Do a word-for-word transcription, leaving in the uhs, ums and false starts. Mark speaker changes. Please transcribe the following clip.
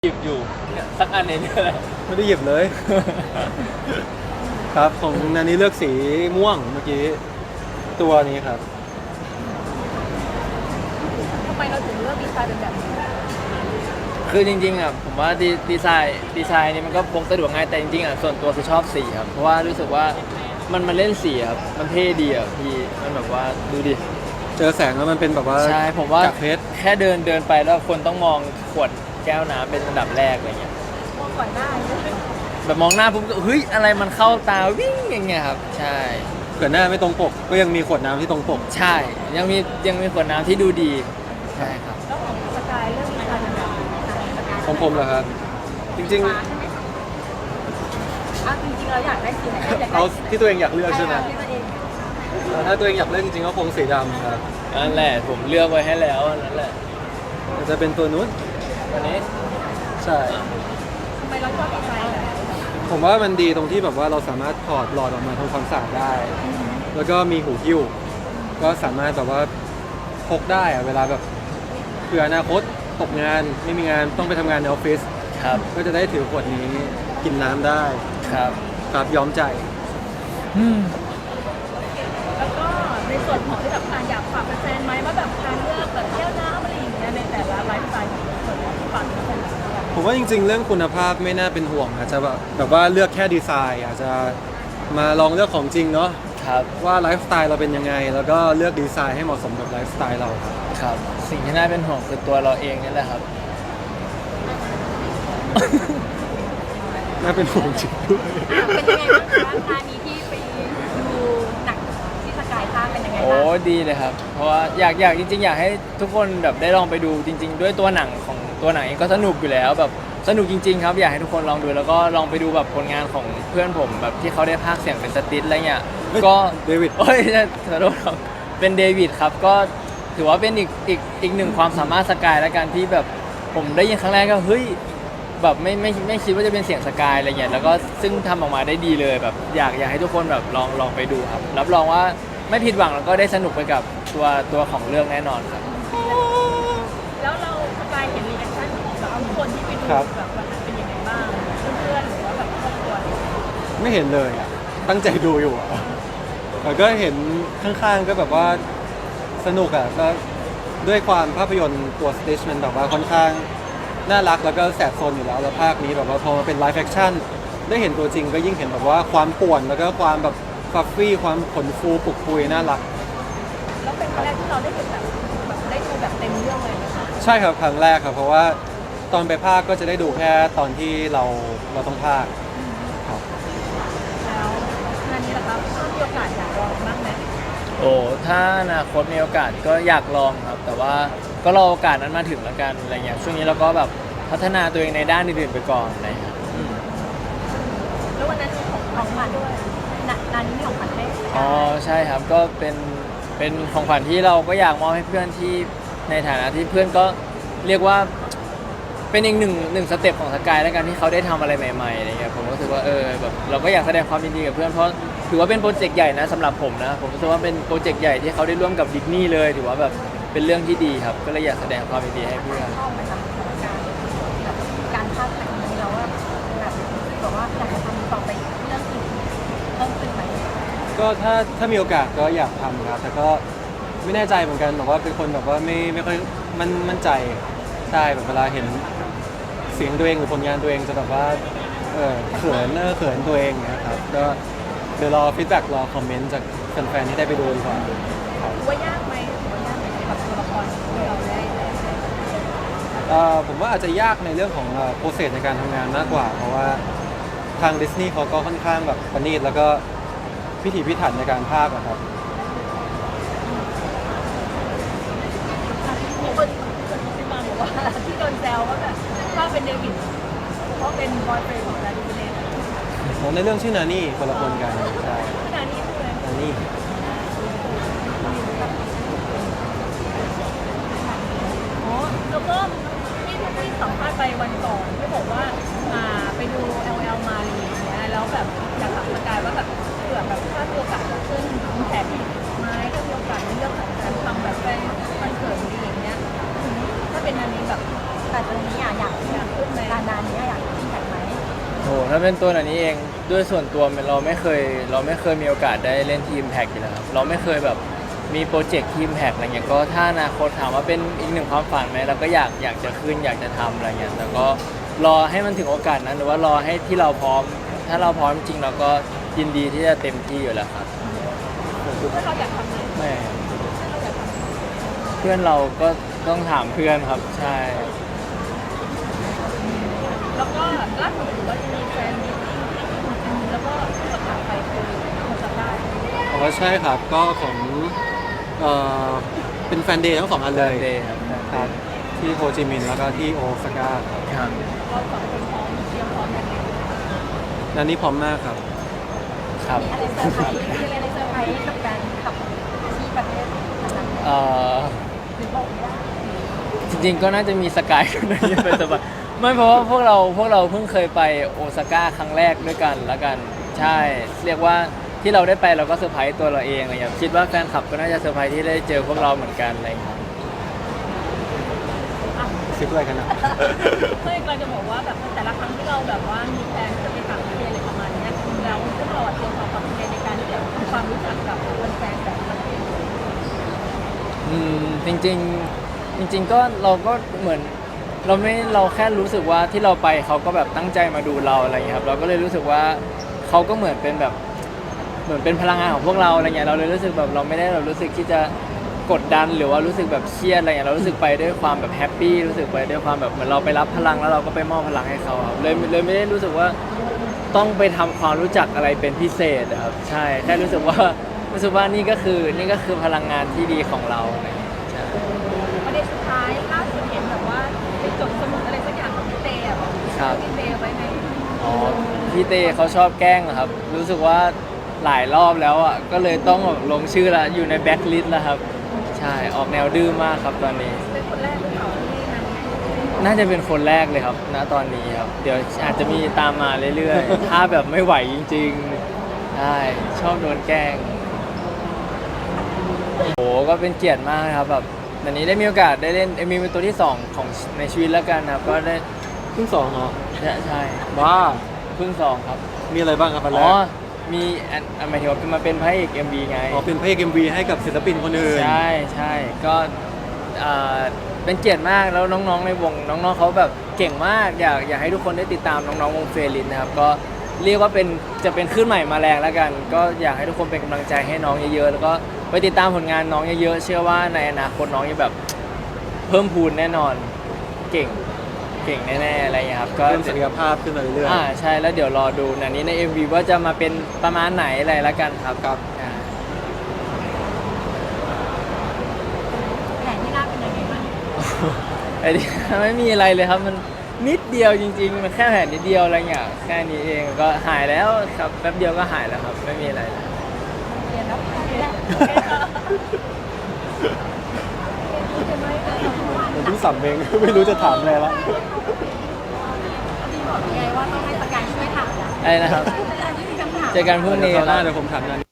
Speaker 1: หยิบอยู่เนี่ยสักอันในนี้แหละ
Speaker 2: ไม่ได้หยิบเลย ครับของนันนี้เลือกสีม่วงเมื่อกี้ตัวนี้ครับ
Speaker 3: ทำไมเราถึงเลือกดีไซน์เป็นแบบนี้
Speaker 1: คือจริงๆอ่ะผมว่าดีดีไซน์ดีไซน์นี่มันก็พกสะดวกง่ายแต่จริงๆอ่ะส่วนตัวคือชอบสีครับเพราะว่ารู้สึกว่ามันมันเล่นสีครับมันเท่ดีอ่ะพี่มันแบบว่าดูดิ
Speaker 2: เจอแสงแล้วมันเป็นแบบว่า
Speaker 1: ใช่ผมว่า
Speaker 2: จากเพชร
Speaker 1: แค่เดินเดินไปแล้วคนต้องมองขวดแก้วน้ำเป็นอันดับแรกอะไรเงี้ย
Speaker 3: มองก่อนหน้า
Speaker 1: แบบมองหน้าปุ๊บเฮ้ยอะไรมันเข้าตาวิ่งอย่างเงี้ยครับใช่
Speaker 2: เกิดหน้าไม่ตรงปกก็ยังมีขวดน้ำที่ตรงปก
Speaker 1: ใช่ยังมียังมีขวดน้ำที่ดูดีใช่ครับ
Speaker 3: แล้วของสกายเรื่องดีไซน์เป็นแบบไหน
Speaker 2: ของผมเหรอครับจริงๆ
Speaker 3: อ่ะจริงๆเราอยากได้สีไหนอยากได้
Speaker 2: เอาที่ตัวเองอยากเลือกใช่ไหม
Speaker 3: ที่ตัวเอง
Speaker 2: ถ้าตัวเองอยากเลือกจริงๆก็คงสีดำครับ
Speaker 1: นั่นแหละผมเลือกไว้ให้แล้วนั่นแหละ
Speaker 2: จะเป็นตัวนู้น
Speaker 1: อันนี้
Speaker 2: ใช่
Speaker 3: ทำไมเราชอบดีไซน์แบบ
Speaker 2: ผมว่ามันดีตรงที่แบบว่าเราสามารถถอดหลอดออกมาทำความสะอาดได้แล้วก็มีหูหิ้วก็สามารถแบบว่าพกได้อะเวลาแบบเผื่ออนาคตตกงานไม่มีงานต้องไปทำงานในออฟฟิศ
Speaker 1: ครับ
Speaker 2: ก็จะได้ถือขวดนี้กินน้ำได้
Speaker 1: ครับ
Speaker 2: ครับย้อมใจ
Speaker 3: แล้วก็ในส่วนของที่แบบการอยากฝากแฟนๆไหมว่าแบบการเลือกแบบแก้วน้ำอะไรอย่างเงี้ยในแต่ละไลฟ์สไตล์ของแต่ละฝั่งคน
Speaker 2: ผมว่าจริงๆเรื่องคุณภาพไม่น่าเป็นห่วงอาจจะแบบแบบว่าเลือกแค่ดีไซน์อาจจะมาลองเลือกของจริงเนาะ
Speaker 1: ครับ
Speaker 2: ว่าไลฟ์สไตล์เราเป็นยังไงแล้วก็เลือกดีไซน์ให้เหมาะสมกับไลฟ์สไตล์เรา
Speaker 1: ครับสิ่งที่น่าเป็นห่วงคือตัวเราเองนี่แหละครับ
Speaker 2: น่าเป็นห่วงจริงด้วย
Speaker 3: เป็นยังไงบ้างคะงานนี้ที่ไปดูหนังที่สกายภาคเป็นยังไงบ้าง
Speaker 1: โอ้ดีเลยครับเพราะว่าอยากอยากจริงๆอยากให้ทุกคนแบบได้ลองไปดูจริงๆด้วยตัวหนังของตัวหนังเองก็สนุกอยู่แล้วแบบสนุกจริงๆครับอยากให้ทุกคนลองดูแล้วก็ลองไปดูแบบผลงานของเพื่อนผมแบบที่เขาได้พากย์เสียงเป็นสติสอะไรเงี้ยก็
Speaker 2: เดวิด
Speaker 1: โอ้ยขอโทษครับเป็นเดวิดครับก็ถือว่าเป็นอีกอีกอีกหนึ่งความสามารถสกายแล้วกันที่แบบผมได้ยินครั้งแรกก็เฮ้ยแบบไม่ไม่ไม่คิดว่าจะเป็นเสียงสกายอะไรเงี้ยแล้วก็ซึ่งทำออกมาได้ดีเลยแบบอยากอยากให้ทุกคนแบบลองลองไปดูครับรับรองว่าไม่ผิดหวังแล้วก็ได้สนุกไปกับตัวตัวของเรื่องแน่นอนครับ
Speaker 3: แล้วเราสกายเห็นรีแอคชั่นของแบบคนที่ไปดูแบบวันนั้นเป็นยังไงบ้างเพื่อนๆหรือว่าแบบครอบครัว
Speaker 2: ไม่เห็นเลยอ่ะตั้งใจดูอยู่อ่ะแต่ก็เห็นข้างๆก็แบบว่าสนุกอ่ะก็ด้วยความภาพยนตร์ตัวสติชมันแบบว่าค่อนข้างน่ารักแล้วก็แสบโซนอยู่แล้วแล้วภาคนี้แบบว่าพอมาเป็นไลฟ์แฟคชั่นได้เห็นตัวจริงก็ยิ่งเห็นแบบว่าความป่วนแล้วก็ความแบบฟัฟฟี่ความขนฟูปุกปุยน่ารัก
Speaker 3: แล้วเป็นครั้งแรกที่เราได้เห็นแบบแบบได้ดูแบบเต็มเรื่องเลยนะคะ
Speaker 2: ใช่ครับครั้งแรกครับเพราะว่าตอนไปภาคก็จะได้ดูแค่ตอนที่เราเราต้องภาคครับ
Speaker 3: แล้วงานนี้ล่ะครับถ้ามีโอกาสอยากลองบ้างไหม
Speaker 1: โอ้ถ้าอนาคตมีโอกาสก็อยากลองครับแต่ว่าก็รอโอกาสนั้นมาถึงแล้วกันอะไรเงี้ยช่วงนี้เราก็แบบพัฒนาตัวเองในด้านอื่นๆไปก่อนอะไรเงี้ย
Speaker 3: แล้ววันนั้นมีของของขวัญด้วยงานนี้มีของขวัญให้
Speaker 1: อ๋อใช่ครับก็เป็นเป็นของขวัญที่เราก็อยากมอบให้เพื่อนที่ในฐานะที่เพื่อนก็เรียกว่าเป็นอีกหนึ่งหนึ่งสเต็ปของสกายแล้วกันที่เขาได้ทำอะไรใหม่ๆอะไรเงี้ยผมรู้สึกว่าเออแบบเราก็อยากแสดงความยินดีกับเพื่อนเพราะถือว่าเป็นโปรเจกต์ใหญ่นะสำหรับผมนะผมรู้สึกว่าเป็นโปรเจกต์ใหญ่ที่เขาได้ร่วมกับดิสนีย์เลยถือว่าแบบเป็นเรื่องที่ดีครับก็เลยอยากแสดงความยินดีให้เพื่อน
Speaker 3: ชอบไหมคะการแบบการภาคหนังนี้เราว่าแบบบอกว่าอยากจะทำต่อไปเรื่องอื่นเพิ่มขึ้นไหม
Speaker 2: ก็ถ้าถ้ามีโอกาสก็อยากทำครับแต่ก็ไม่แน่ใจเหมือนกันแบบว่าเป็นคนแบบว่าไม่ไม่ค่อยมั่นมั่นใจใช่แบบเวลาเห็นเสียงตัวเองหรือผลงานตัวเองจะแบบว่าเออเขินเออเขินตัวเองนะครับก็เดี๋ยวรอฟีดแบ็กรอคอมเมนต์จากแฟนๆที่ได้ไปดูดีกว่า
Speaker 3: ว่ายากไหมว่ายากไหมกับตัวละครที่เราได้
Speaker 2: เอ่อผมว่าอาจจะยากในเรื่องของโปรเซสในการทำงานมากกว่าเพราะว่าทางดิสนีย์เขาก็ค่อนข้างแบบประณีตแล้วก็พิถีพิถันในการพากย์นะครับ
Speaker 3: มีคนที่มาบอกว่าที่โดนแซวว่าแบบถ้าเป็นเดวิดเพราะเป็นบอยเฟรนด์ของดาริเนส
Speaker 2: ในเรื่องชื่อนานี่คนละคนกันใช่
Speaker 3: นานี่คือ
Speaker 2: นานี่
Speaker 3: อ๋อแล้วก็ที่ที่สัมภาษณ์ไปวันก่อนที่บอกว่าอ่าไปดู แอล แอล มาลีอย่างเงี้ยแล้วแบบอยากถามสกายว่าแบบเผื่อแบบถ้ามีโอกาสจะขึ้นแผนไม้ถ้ามีโอกาสในเรื่องของการทำแบบเป็นคอนเสิร์ตอะไรอย่างเงี้ยถ้าเป็นอันนี้แบบแต่ตรงนี้อยากอยากอยากขึ้นไหมล่ะ
Speaker 1: อ้ถ้าเป็นตัวอันนี้เองด้วยส่วนตัวเราไม่เคยเราไม่เคยมีโอกาสได้เล่นทีมแพ็กอยู่แล้วครับเราไม่เคยแบบมีโปรเจกต์ทีมแพ็กอะไรเงี้ยก็ถ้าอนาคตถามว่าเป็นอีกหนึ่งความฝันไหมเราก็อยากอยากจะขึ้นอยากจะทำอะไรเงี้ยแต่ก็รอให้มันถึงโอกาสนั้นหรือว่ารอให้ที่เราพร้อม ถ้าเราพร้อมจริงเราก็ยินดีที่จะเต็มที่อยู่แล้วครับ
Speaker 3: ถ้าเราอยากทำไหม
Speaker 1: ไม่
Speaker 3: ถ้าเราอยากทำ
Speaker 1: เพื่อนเราก็ต้องถามเพื่อนครับใช่
Speaker 3: แล้วก็ล่าสุดถือว่าจะมีแฟนมิตติ้งที่ญี่ปุ่นแล้วก็ประกาศไปคือคนจะได้
Speaker 2: อ๋อใช่ครับก็ของเอ่อเป็นแฟนเดย์ทั้งสองอันเลย
Speaker 1: เดย์ครับ
Speaker 2: ครับที่โฮจิมินห์แล้วก็ที่โอซาก้า
Speaker 1: ครับ
Speaker 3: เราสองคนพร้อมเตรียมพร้อมกันไหม
Speaker 2: นันนี้พร้อมมากครับ
Speaker 1: ครับ
Speaker 3: อะไรเซอร์ไพรส์มีอะไรเซอร์ไพรส์กับการขับที่ประเทศนั้น
Speaker 1: เอ่อ
Speaker 3: หรือบอกว่า
Speaker 1: จริงๆก็น่าจะมีสกายคนนี้เป็นสบายไม่เพราะว่าพวกเราพวกเราเพิ่งเคยไปโอซาก้าครั้งแรกด้วยกันแล้วกันใช่ เรียกว่าที่เราได้ไปเราก็เซอร์ไพรส์ตัวเราเองอะไรอย่างเงี้ยคิดว่าแฟนคลับก็น่าจะเซอร์ไพรส์ที่ได้เจอพวกเราเหมือนกันอะไรอย่างเงี้ย
Speaker 2: ซิปอะไรกันนะ
Speaker 3: เพื่อนกำลังจะบอกว่าแบบแต่ละครั้งที่เราแบบว่ามีแฟนที่จะไปต่างประเทศอะไรประมาณเนี้ยแล้วพวกเราเตรียมความพร้อมในการที่จะทำความรู้จักกับคนแฟนแต่ละประเทศ
Speaker 1: อืมจริงๆจริง ๆ ก็เราก็เหมือนเราไม่เราแค่รู้สึกว่าที่เราไปเขาก็แบบตั้งใจมาดูเราอะไรอย่างเงี้ยครับเราก็เลยรู้สึกว่าเขาก็เหมือนเป็นแบบเหมือนเป็นพลังงานของพวกเราอะไรเงี้ยเราเลยรู้สึกแบบเราไม่ได้แบบรู้สึกที่จะกดดันหรือว่ารู้สึกแบบเครียดอะไรเงี้ยเรารู้สึกไปด้วยความแบบแฮปปี้รู้สึกไปด้วยความแบบเหมือนเราไปรับพลังแล้วเราก็ไปมอบพลังให้เขาครับเลยเลยไม่ได้รู้สึกว่าต้องไปทำความรู้จักอะไรเป็นพิเศษอะครับใช่แค่รู้สึกว่ารู้สึกว่านี่ก็คือนี่ก็คือพลังงานที่ดีของเราอะไรเงี้ยใช่
Speaker 3: ประเด็นสุดท้ายล่าสุดเห็นแบบว่าไปจดสมุดอะไรสักอย่างของพี่เตอ่ะ
Speaker 1: ครับ
Speaker 3: พี่เตไว้ใน
Speaker 1: อ๋อพี่เต้เขาชอบแกล้งเหรอครับ รู้สึกว่าหลายรอบแล้วอ่ะก็เลยต้องแบบลงชื่อละอยู่ในแบ็คลิสต์แล้วครับ ใช่ออกแนวดื้อมากครับตอนนี้
Speaker 3: เป็นคนแรกหรือเปล่าที่นั่น
Speaker 1: น่าจะเป็นคนแรกเลยครับณตอนนี้ครับ เดี๋ยวอาจจะมีตามมาเรื่อยๆ ถ้าแบบไม่ไหวจริงๆใช่ชอบโดนแกล้งโอ้โหก็เป็นเกียรติมากนะครับแบบวันนี้ได้มีโอกาสได้เล่นเอ็มวีเป็นตัวที่สองของในชีวิตแล้วกันครับก็ได้
Speaker 2: เพิ่งสองเหรอ
Speaker 1: ใช่ใช่
Speaker 2: บ้า
Speaker 1: เพิ่งสองครับ
Speaker 2: มีอะไรบ้างครับอันแร
Speaker 1: อ๋อ
Speaker 2: ก
Speaker 1: มีอันอันหมายถึงว่ามาเป็นพระเอก เอ็ม วี ไง
Speaker 2: อ๋อเป็นเพลงเอ็มวีให้กับศิลปินคนอื่น
Speaker 1: ใช่ใช่ก็อ่าเป็นเกียรติมากแล้วน้องๆในวงน้องๆเขาแบบเก่งมากอยากอยากให้ทุกคนได้ติดตามน้องๆวงเฟรลินนะครับก็เรียกว่าเป็นจะเป็นคลื่นใหม่มาแรงแล้วกัน ก็อยากให้ทุกคนเป็นกำลังใจให้น้องเยอะๆแล้วก็ไปติดตามผลงานน้องเยอะๆเชื่อว่าในอนาคตน้องจะแบบเพิ่มพูนแน่นอนเก่งเก่งแน่ๆอะไรอย่างเงี้ยครับก็
Speaker 2: เพิ่มศักยภาพขึ้นมาเรื่อย
Speaker 1: อ่าใช่แล้วเดี๋ยวรอดูนันนี้ใน เอ็ม วี ว่าจะมาเป็นประมาณไหนอะไรละกันครับ
Speaker 2: ครับ
Speaker 1: อ่า
Speaker 3: แผนที่น่าเป็นยังไงบ้าง
Speaker 1: ไอ้นี่ ไม่มีอะไรเลยครับมันนิดเดียวจริงๆมันแค่แผลนิดเดียวอะไรเงี้ยแค่นี้เองก็หายแล้วครับแป๊บเดียวก็หายแล้วครับไม่มีอะไรเลย
Speaker 3: เรียนแล้วเรียน
Speaker 2: ๆมันเพิ่งสัมเอง ไม่รู้จะถามอะไรแล้ว
Speaker 3: พี่บอกไงว่าต้องให้สกายช่วยถามนะ
Speaker 1: ไอ้นะครับ
Speaker 3: อันนี้มีคำถาม
Speaker 1: เจอกันพรุ่งนี้
Speaker 2: เดี๋ยว
Speaker 1: ค
Speaker 2: คราวหน้า
Speaker 1: รับ
Speaker 2: เดี๋ยวผมถามนัน